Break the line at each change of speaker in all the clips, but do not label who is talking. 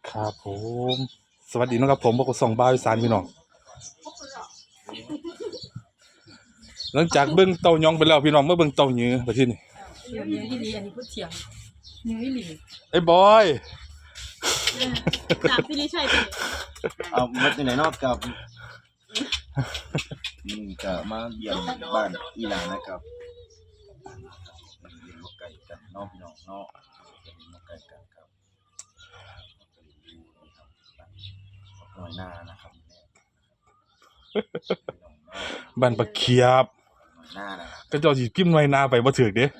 ครับผมสวัสดีนะครับผมบอกส่องบ้าวอีสานพี่น้องหลังจากเบิ่งเต่ายองไปแล้วพี่น้องเมื่อเบิ่งเต่ายื้อไปที่นี่
เนื้ออีหลีอันนี้พูดเถียงเนื้ออีหลี
ไอ้บอย
ถามพี่ลิชัยไป
เอามาจากไหนนอกกับจะมาเยี่ยมบ้านอีหลานนะครับเลี้ยงนกไก่กันน้องพี่น้องเนาะเลี้ยงนกไก่กันครับหน่อยหน้านะครับ
บ้านปะเขียบ
หน้านะ
ก็เจ้าสิพิมพ์ไว้หน้าไปบ่ถูกเด้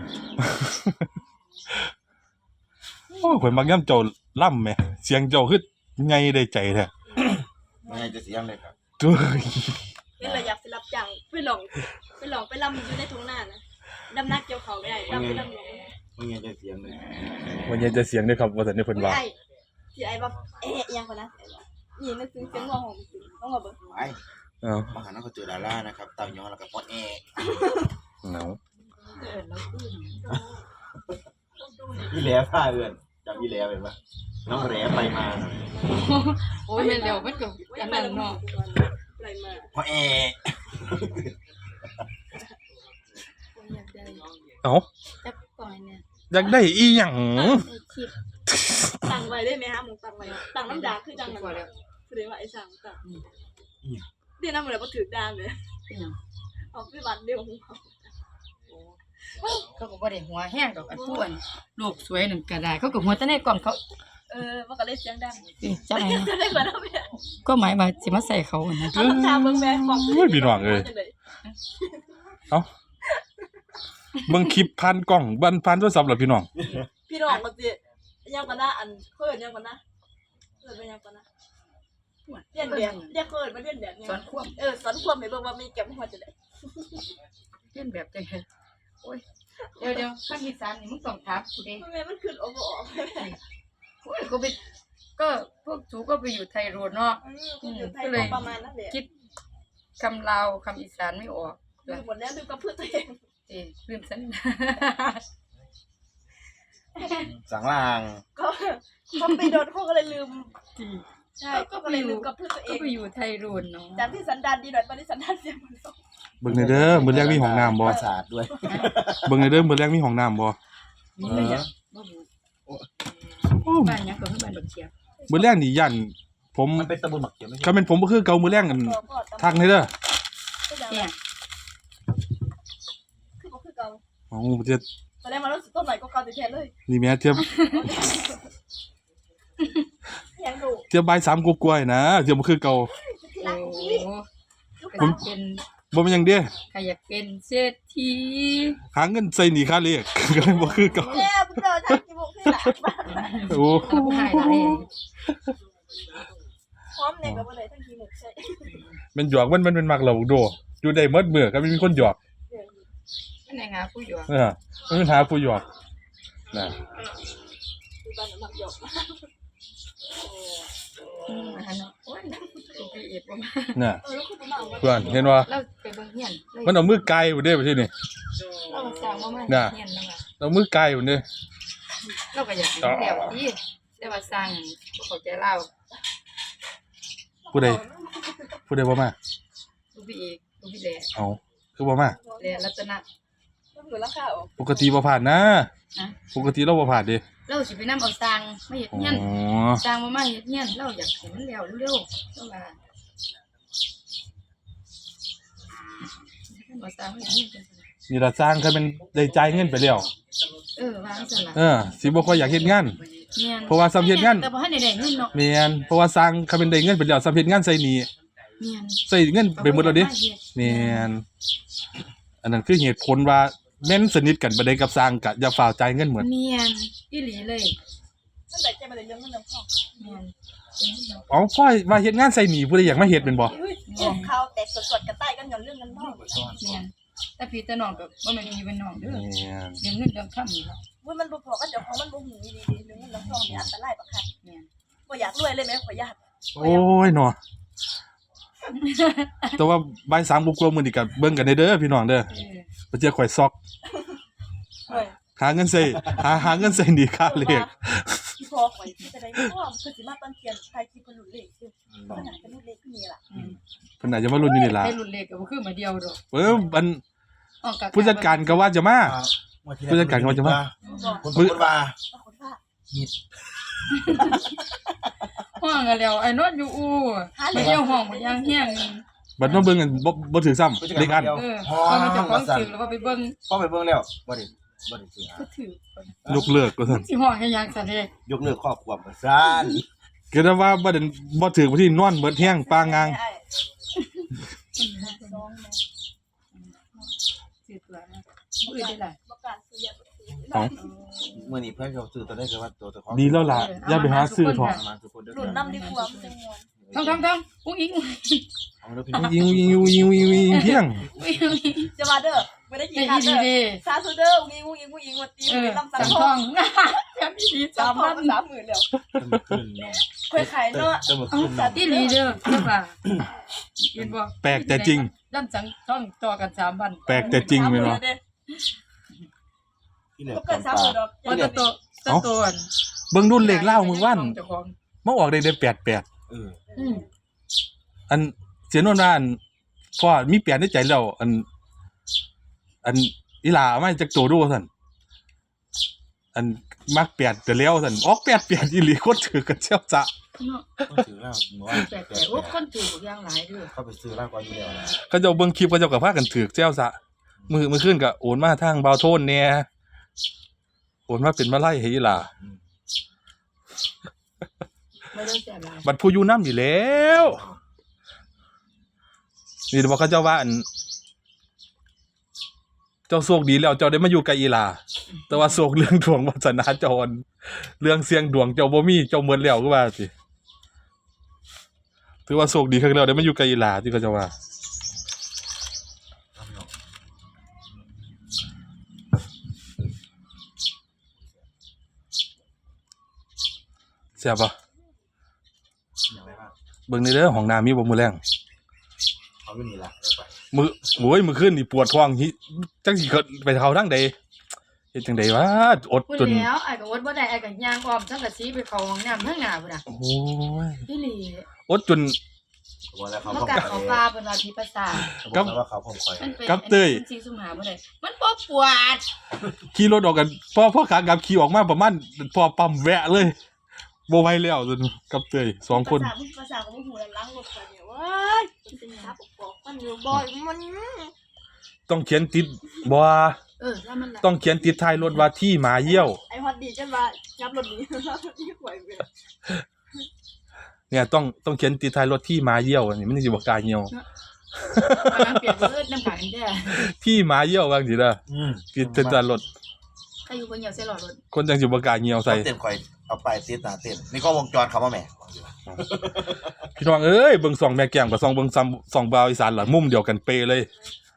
โอ้ข่อยมักยามเจ้าล่ำแหมเสียงเจ้าคือไงได้ใจแท้
ไม่ให้จะเสียงเลยครับ
จุ้ย
เป็นระยับไปรับจ้างไปหลงไปลำอยู่ในทุ่งนานะดำนักเกี่ยวเขาไม่ได้ดำไปลำหลง
ไม่ให้จะเสียงเลย
วันนี้จะเสียงเด้อครับว่าซั่นนี่เพิ่นว่า
ไอ้ที่ไอ้แบบยังคนนะนี่นึกถึงเสียงร้องของจริงต้องมาเบิ่ง
ไป
เอ้า
มาหาน้องก็เจอดารานะครับเต่าย้อนแล้วก็พอดแอ
เหงา
พี่แหล่ผ้าเอื้อนจำพี่แหล่เป็นปะน้องแหล่ไปมา
โอ้ยเร็วมันก็อันนั้นเนาะ
อะไรมา
พอแอ
อยากได้
เอ้า
จักปล่อยเนี่ย
อยากได้อีหยัง
คิด
ตั้งไว้ได้ไหมฮะมึงตั้งไว้ตั้งน้ำด่างคือจัง
กว่าแล้ว
แสดงว่าไอ้สั่งตั้งเดี๋ยวน้ำมันเลยพอถือดามเลย
เป็นหยัง
เอาไปบัดเดียวของเขา
เขาก็บ่ได้หัวแห้งดอกอันผู้อันลูกสวยนั่นก็ได้เขาก็หัวแต่ในกล่องเขา
มันก็เลยเสียงดัง
จังไง
จะได้มาแล้วแม่
ก็หมายว่าสิมาใส่เขานะ
เอาทาเบิ่งแม่ของ
โอ้ยพี่น้องเอ้ยเอ้าเบิ่งคลิปผ่านกล้องบันผ่านโทรศัพท์เหรอพี่น้อง
พี่น้องมันสิยังกันนะอันเพิ่นยังกันนะเพิ่นเป็นยังกันนะเรียนแบบเรียกเพิ่นมาเรียนแบบ
สอนควบ
สอนความให้เบิ่งว่ามีแก้มหัวจะได้
เล่นแบบจังไงโอ้ยเดี๋ยวภาคอีสานนี่มึงต้องถามกูเด้
แม่มันขึ้นออกบ่ออก
โอ้ยกูไปก็พวกสูก็ไปอยู่ไทยโรดเนาะ
อยู่ไทยประมาณนั้นแหละ
คิดคำลาวคำอีสานไม่ออก
ลืมหมดแล้วลืมกับเพื่อนตัวเอง
ลืมสัน
สังลาง
ก็เขาไปโดนเขาก็เลยลืมใช่ก็เลยลืมกับเพื่อนตัวเอ
ก็
ง
ไปอยู่ไทยโรดเนาะ
จากที่สันดานดีหน่อยตอนนี้สันดานเสียหมดแล้ว
เบิ่งหน่อยเด้อมื้อแรกมีห้องน้ำบ่
ประสาทด้วย
เบิ่งหน่อยเด้อมื้อแรกมีห้องน้ำบ่
มีเลยอ่ะบ่รู้บ้านยังก็คือบ้านบักเขียบ
มื้อแรกนี่ย่านผม
มันเป็นตะบนหมักเขียวไม่ใช่
คันเป็นผมบ่คือเก่ามื้อแรกกันทักให้เด้อ
เนี่ย
คือก็คือเก่า
อ๋อบ่จะ
ตอนแรกมันรู้สึกต้นใหม่ก็เก่าแท้เลย
นี่แม่เทียบ
ยังดู
เทียบบ่าย3กว่าๆนะเทียบบ่คือเก่า
โอ้ก็เป็น
บ่แม่นหยังเด้
ใครอยากเป็นเศรษฐี
หาเงินใส่หนี้ค่าเลข ก็เลยบ่คือเก่า
แย่เพื่อนทำกี่โมงขึ้นหลังบ้าน
โอ้
ผู้หายหลาย
พร้อมเนี่ยกับอะไรทั้งทีหมดใช่
แมันหยอกมันเป็นมักเหล่าโดอยู่ได้หมดมื้อก็มีคนหยอก
อันไหนงาผู้อยู่
มันหาผู้หยอกน่ะ
ที่บ้านหมักหยอก
อันนั้นโอ้ยตัวไปเอ็ดบ่มา
น่ะ
แล้วคุณมา
เพื่อนเห็นว่า
เราไปเบิ่งเฮียน
มันเอามือไกลบ่ได้บ่ที่นี่
เราก็สร้างบ่มา
น่ะ
เฮียนแล้ว
เอามือไกลบ่เด้
เราก็อยากเป็นแบบนี้แต่ว่าสร้างบ่เข้าใจเรา
ผู้ใดบ่มา
ลูกพี่เอกลูกพี่แหล่
เอาคือบ่มา
แหล่รัตนะ
ต้องเหลือราคาออก
ปกติบ่ผ่านนะ
นะ
ปกติเราบ่ผ่านเด้
เราสิไปนำเอาสร้างมาเฮ็ด
อ๋
เฮียน
อ
สร้างมาเฮ็ดเฮียนเราอยากเห็นมันแล้วเร็วๆเราว่ามาสร้างมาเฮ็ดเฮียนกันซั่นน่ะ
นี่ล่ะสร้างคันเป็นได้จ่ายเงินไปแล้ว
วางซั่นล่ะ
สิบ่ค่อยอยากเฮ็ดงาน
แม่น
เพราะว่าซ้ำเฮ็ดงาน
แต่บ่ทันได้ได้เงินเนาะ
แม่นเพราะว่าสร้างคันเป็นได้เงินไปแล้วซ้ำเฮ็ดงานใส่หนี้
แม่น
ใส่เงินไปหมดแล้วเด้แม่นอันนั้นคือเหตุผลว่าแม่นสนิทกันบ่ได้กับสร้างก็อย่าฝ่าวจ่ายเงินเหมือน
แม่นอีหลีเลย
นั่นแหละจะมาเลยเรื่องเงินเรื่องทอง
แม่น
อ๋อพ่อว่าเฮ็ดงานใส่หนี้ผู้ใดอยากมาเฮ็ดเป็นบ่
เขาแต่สดๆกันใต้กันเงินเรื่องเงินทอง
แม่นแต่พี่แต่น้องก็บ่แม่นอยู่เป็นน้องเด้อ
แม่น
เรื่องเงินเรื่องคำนี่ล่ะ
ว่ามันบ่พอกันเดี๋ยวของมันบ่หูดีๆเรื่องเงินเรื่องทองนี่อันตรายปะค่ะ
แม่น
บ่อยากรวยเลยไหมขอญาต
โอ้ยเนาะแต่ว่าบ่าย3กว่าๆมื้อนี้ก็เบิ่งกันได้เด้อพี่น้องเด้อ
เออ
บ่เจอข่อยซอก
เฮ้ย
หาเงินใส่หาเงินใส่หนีค่าเลข
ที่พอข่อยที่จะได้พ่อคือสิมาตอนเทียนใครคิดคนหลุดเลขคือขนาดเป็นหลุดเลขที่นี่ล่ะ
เพิ่นอาจจะมารุ่นอยู่นี่ล่ะ
ได้รุ่นเล็กก็บ่คือมาเดียวดอก
มัน
อ้อกะ
ผู้จัดการก็ว่าจะมา ผู้จัดการก็ว่าจะมา
คนพูดว่า
คนว่า
ห้องกันแล้วไอ้นอนอยู่อู่ไปเยี่ยวห้องบ่ยังเฮียง
บัดมาเบิ่งกันบ่ถือซ้ำเด็กอัน
ก็มันจะของถึงแล้วก็ไปเบิ่ง
พ่อไปเบิ่งแล้วบ่ได้ซื้อ
ก็ถือย
กเลิกก็ซั่น
สิห้องให้ยังซะเด้
ยกเลิกครอบครัวบ่ซ่าน
ก็ได้ว่าบ่ได้บ่ถือบ่ที่นอนเบิดแห้งปางงาง
สิตัวนะมื้อได้ล่ะ
ประกาศซื้อยา
เอา
มื้อนี้เพิ่นเขาซื้อตัวได้คือว่าตัวของ
ดีแล้วล่ะอย่าไปหาซื้อเถอะ
มาทุกคนเด้อ
หลุดน้ำดีกว่ามันจะงวน
ทำอุ้งอิง
เอาเด้อพี่
ยิงเพียง
จะมาเด้อไม่ได้กิน
ได้
ข้าว
ดี
เด้อ
เด้
ซาซูเด้องูมาตี
เอ
มื
อ
อลำ
สั
สั
ง
ง
ท
ท
อ
อง ง
แบบดี
สาม
3,000
30,000แล้ว
ขึ้นเนาะ
เคยขายเนาะ
จะมา
เอา
ขึ้น
สา
เนาะ
ธิตลีเด้อใช่ป่ะเห็นบ่
แปลกแต่จริง
ลำสังทองต่อกัน3,000
แปลกแต่จริงแม่นบ่
ที่เหลือ
ก็เกิน30,000ดอก
ว่าตัวอัน
เบิ่งรุ่นเลขเล่ามื้อวัน
เจ้าของ
มาออกได้88
เออ
อันเสียโนนว่าอันพ่อมีแปลนในใจแล้วอันอีหลาเอามาจากโตดูซั่นอันมักแปดแต่แล้วซั่นออก88อีหลีโคตรถือกันเจ้าจะ
เนาะ
ต้องซื้อแล้วหมู่ว่า
แปลกๆโอ้คนถืออย่างหลายเด้อ
เข้าไปซื้อแล้วก่อนอยู่แล้วนะ
เขาเจ้าเบิ่งคลิปเขาเจ้าก็พากันถือเจ้าซะมื้อขึ้นก็โอนมาทางเบาโทนแหน่โอนมาเป็นมาไล่ให้อีหลา
ไม่ได้แซ่บหลาย
บัดผู้อยู่นำอยู่แล้วนี่บอกเขาเจ้าว่าอันเจ้าโชคดีแล้วเจ้าได้มาอยู่กับอีหลาแต่ว่าโชคเรื่องดวงวาสนาเจ้าอันเรื่องเสี่ยงดวงเจ้าบ่มีเจ้าหมดแล้วคือว่าสิถือว่าโชคดีครั้งแล้วได้มาอยู่กับอีหลาที่เขาเจ้าว่าเสียบป่ะ
อย่างไรบ้าง
เบิ่งในเด้อห้องน้ำมีบ่มื้อแรง
เขาอยู่นี่ล่ะไป
มื้อโอ้ยมื้อคืนนี่ปวดท้องหิจังสิเกิดไปเข้าทางใดเฮ็ดจังได๋วะอด
พูด
จน
แล้วไอ้ก็วดบ่ได้ไอ้ก็ย่างอ้อมทั้งกะสีไปเข้าห้องน้ำทั้งหน้าพุ่นน่ะ
โอ้ย
อีหลี
อดจน
บอกแล้วเขา
มา
พ่อ
กัด
ค
เขา
อย
ปลาเป็นว่าพิภาษา
บอกแล้วว่าเขาพ่อคอย
มันเป็น
กับเต้ย
สีสุ่มหาบ่ได้มันบ่ปวด
ขี่รถออกกันพ่อขากลับขี่ออกมาประมาณพอปั๊มแวะเลยบ่ไหวแล้วจนกับเตย2คน
ภาษาของหูล้างรถกันเนี่ยว้ายเป็นยับปอกมันอยู่บ่อยมัน
ต้องเขียนติดบ่
แล้วมัน
ต้องเขียนติดท้ายรถว่าที่หมาเยี่ยว
ไอ้ฮอตดีจังว่ายับรถนี้ที่หวยไป
เนี่ยต้องเขียนติดท้ายรถที่หมาเยี่ยวอันนี้มันสิบ่กล้าเหี่ยว
น้ำเปียกเลือดน้ำขังแท้
ที่หมาเยี่ยวว่าจังซี่ล่ะติดติดท้ายรถ
ใครอยู่บนเหยียบใส่หลอดรถ
คนจังสิบ่กล้าเหี่ยวใส่
เต้นคอยเอาไปติดตาเต้นนี่ก็วงจรเขาว่าแม่
พี่น้องเอ้ยเบิ่งส่องแม่แก้มกับส่องเบิ่งซ้ำส่องบาวอีสานล่ะมุมเดียวกันเป๊ะเลย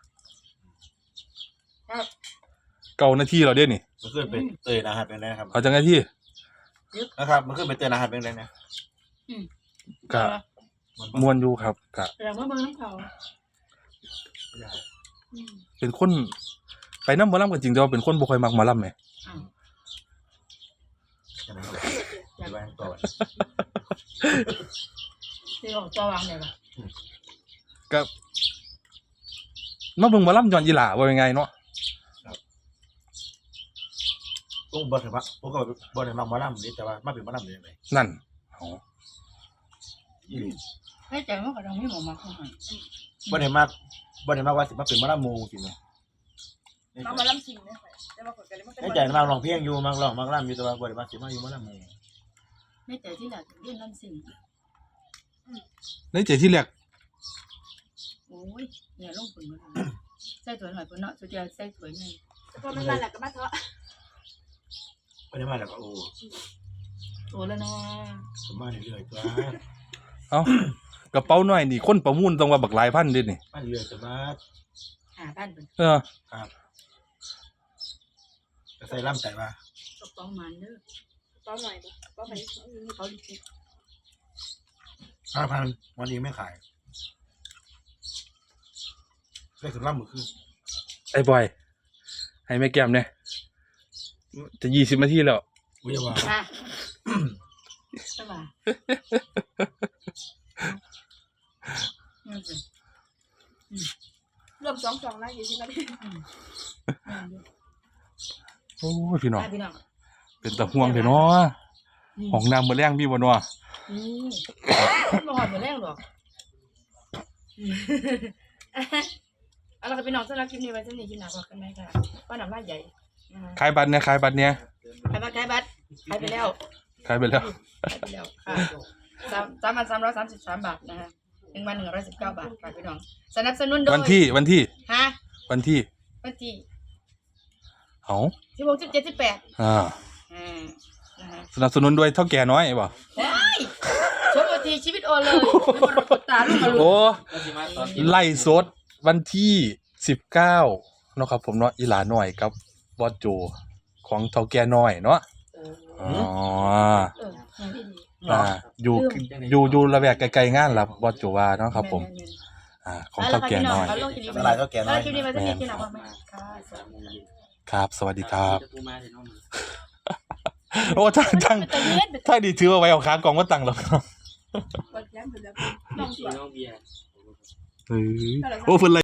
9นาทีแล้วเด้นี่
มันขึ้นเป็นเตยนะฮะเป็นไรครับ
เอาจังได๋ที่
นะครับมันขึ้นเป็นเตยนะฮะเป็นไรนะ
ก็ม่วนอยู่ครับก็
แต่ว่าเบิ่งน้ำเขา
เป็นคนไปนำหมอลำก็จริงแต่ว่าเป็นคนบ่ค่อยมักหมอลำแหม
อย่างนั้นเลยไปไว้ก่อน
ที่ออกตัววางได้ป่ะ
ก็มาเบิ่งหมอลำย้อนอีหล่าว่ายังไงเนาะ
ต้องบ่ถึงว่าผมก็บ่ได้มาหมอลำนี่แต่ว่ามาเป็นหมอลำได้ยังไง
นั่นเอา
ให้ใจมันก็ต้องมีหมอมาเข้าให้
บ่ได้มาว่าสิมาเป็นหมอลำหมู่สิแม่
มาลำสิงเนี่ยแต่ว่ากดกันเลยมันเป็น
ในใจมาร้องเพลงอยู่มาร้องมาลำอยู่แต่ว่าบ่ได้มาสิมาอยู่หมอลำหมู่
ในใจที่หลักเรียนลำสิ่ง
ในใจที่แรก
โอ้ยเนี่ยลงผลมาใส่ถั่วหน่อยพุ่นเนาะสุดยอดใส่ถั่วใหญ่
พอมันมาแล้วก็มาเถอะ
บ่ได้มาแล้วก็โอ้
โตแล้วเนาะ
สมมาเรื่อยๆตัว
เอ้ากระเป๋าน้อยนี่คนประมูลต้องว่าบักหลายพันเด้นี่
มาเรื่อยๆตัวมา
5,000เป็น
เออ
ครับจะใส่ลำใจว่าก
ระป๋องมันเด้อ
เป้าหน่อยดิเป้าไป
เขาดิ
5,000วันนี้ไม่ขายได้ถึงลำมื้อคืน
ไอ้บอยให้แม่แก้มเนี่ยจะ20 นาทีแล้ว
อุ้ยว่า
อ่ะสบายนั่นสิ
รวม2นะ20นาที
โอ้ยพี่น้อง
พี่น้อง
เป็นตะห่วงเถอะเนาะห้องน้ำมื้อแรงมีบ่เนาะ
บ่หอดบ่แรงหรอกเอาล่ะค่ะพี่น้องสำหรับคลิปนี้ไว้เท่านี้คลิปหน้าพบกันใหม่ค่ะป้าน้ำลายใหญ่นะคะ
ขายบัตรเนี่ย
ขายบัตรขายไปแล้ว
ขายไปแล้ว
ขายไปแล้วค่ะ3,333 บาทนะคะ1,119 บาทค่ะพี่น้องสนับสนุนโดย
วันที่
ฮะ
วันที่
วันที่
เอ้า
16 17 18
อ่า
นะคะ
สนับสนุนด้วยเท่าแก่น้อยบ่
ว้ายชมทีชีวิตโอเลยไม่มารกดตาลูกมาลู
โอ้
ก
ไล่สดวันที่19เนาะครับผมเนาะอีหลาน้อยกับบอสโจของเท่าแก่น้อยเนาะอ๋อ
ดี
อยู่ระแวกไกลๆงานล่ะบอสโจว่าเนาะครับผมของเท่าแก่น้อย
เวลาเท่าแก่น้อย
คลิปนี้ไว้เท่านี้ที่หลังว่าไหมค่ะ
ครับสวัสดีครับโอ้ทั้ง
เป็นตะเย็นเป็น
ถ้าดีถือเอาไว้เอาขากล่องมาตั้งหรอกครับ
กดแย้มไปแล้วน้องสวย
โอ้เพิ่น